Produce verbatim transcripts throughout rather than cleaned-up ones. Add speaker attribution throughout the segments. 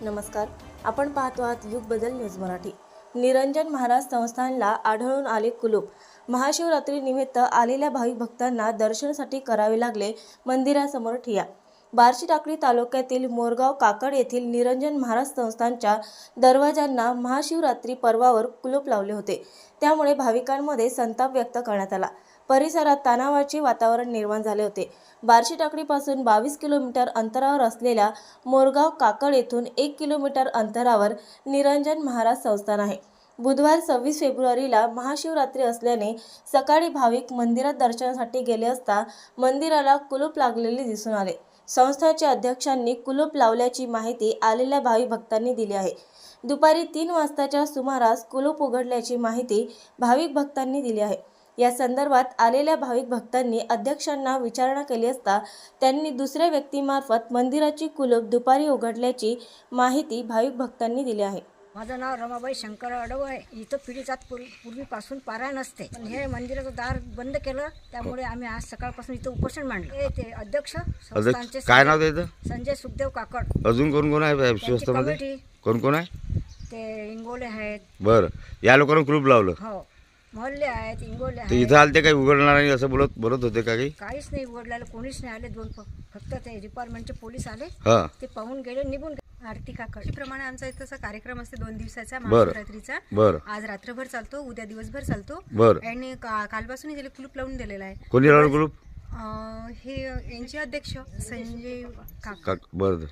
Speaker 1: नमस्कार, आपण पाहतो आहात युग बदल न्यूज मराठी। निरंजन महाराज संस्थानला आढळून आले कुलूप। महाशिवरात्री निमित्त आलेल्या भाविक भक्तांना दर्शनासाठी करावे लागले मंदिरासमोर ठिय्या। बार्शी टाकळी तालुक्यातील मोरगाव काकड येथील निरंजन महाराज संस्थानच्या दरवाजांना महाशिवरात्री पर्वावर कुलूप लावले होते। त्यामुळे भाविकांमध्ये संताप व्यक्त करण्यात आला। परिसरात तणावाचे वातावरण निर्माण झाले होते। बार्शी टाकळीपासून बावीस किलोमीटर अंतरावर असलेल्या मोरगाव काकड येथून एक किलोमीटर अंतरावर निरंजन महाराज संस्थान आहे। बुधवार सव्वीस फेब्रुवारीला महाशिवरात्री असल्याने सकाळी भाविक मंदिरात दर्शनासाठी गेले असता मंदिराला कुलूप लागलेले दिसून आले। संस्थानच्या अध्यक्षांनी कुलूप लावल्याची माहिती आलेल्या भाविक भक्तांनी दिली आहे। दुपारी तीन वाजताच्या सुमारास कुलूप उघडल्याची माहिती भाविक भक्तांनी दिली आहे। या संदर्भात आलेल्या भाविक भक्तांनी अध्यक्षांना विचारणा केली असता त्यांनी दुसऱ्या व्यक्तीमार्फत मंदिराची कुलूप दुपारी उघडल्याची माहिती भाविक भक्तांनी दिली आहे।
Speaker 2: माझं नाव रमाबाई शंकर अडव आहे। इथं पिढीजात पूर्वीपासून पारायण असते, पण हे मंदिराचं दार बंद केलं, त्यामुळे आम्ही आज सकाळपासून इथं उपोषण मांडलं। ते अध्यक्ष संस्थानचे
Speaker 3: काय नाव त्याचं?
Speaker 2: संजय सुखदेव काकड।
Speaker 3: अजून कोण कोण आहे संस्थामध्ये? कोण कोण आहे?
Speaker 2: ते इंगोले आहेत।
Speaker 3: बरं, या लोकांना कुलूप लावलं?
Speaker 2: हो, मोहल्ले आहेत, इंगोले
Speaker 3: तर
Speaker 2: आहेत।
Speaker 3: इथं आलते काही उघडणार नाही असं बोलत बोलत होते का? काही
Speaker 2: काहीच नाही उघडलेलं, कोणीच नाही आले। दोन फक्त ते डिपार्टमेंटचे पोलीस आले,
Speaker 3: हां,
Speaker 2: ते पाहून गेले, निघून गेले।
Speaker 4: आरती काकड प्रमाणे आमचा इथं असा कार्यक्रम असते दोन दिवसाचा
Speaker 3: बरं
Speaker 4: महाशिवरात्रीचा।
Speaker 3: बरं,
Speaker 4: आज रात्रभर चालतो, उद्या दिवसभर चालतो।
Speaker 3: बरं,
Speaker 4: आणि का- कालपासून त्याला कुलूप लावून दिलेला आहे।
Speaker 3: कोणी लावलं कुलूप?
Speaker 4: अं, हे यांचे अध्यक्ष संजय
Speaker 3: का
Speaker 4: काका
Speaker 3: बरं,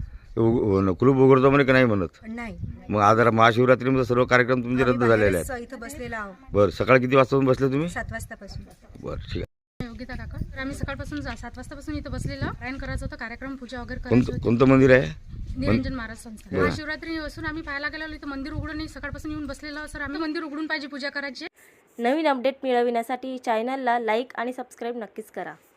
Speaker 3: उघ- कुलूप उघडतो म्हणे का नाही म्हणत?
Speaker 4: नाही,
Speaker 3: मग आज महाशिवरात्रीमध्ये सर्व कार्यक्रम तुमचे रद्द झालेले आहेत?
Speaker 4: आम्ही इथं बसलेला आहोत
Speaker 3: बरं, सकाळी किती वाजता बसले तुम्ही?
Speaker 4: सात वाजतापासून।
Speaker 3: बरं, ठीक आहे।
Speaker 5: योगिता काका, तर आम्ही सकाळपासून जा- सात वाजतापासून इथं बसलेलो पारायण करायचं होतं, कार्यक्रम पूजा वगैरे करायची
Speaker 3: कोणतं
Speaker 5: होती।
Speaker 3: कोणतं मंदिर आहे?
Speaker 5: निरंजन महाराज संस्था।
Speaker 3: बरं.
Speaker 5: महाशिवरात्री असून आम्ही पाहायला गेलो, इथं मंदिर उघडून नाही, सकाळपासून येऊन बसलेलो सर। आम्ही मंदिर उघडून पाहिजे पूजा करायची।
Speaker 1: नवीन अपडेट मिळविण्यासाठी चॅनलला लाईक आणि सबस्क्राईब नक्कीच करा।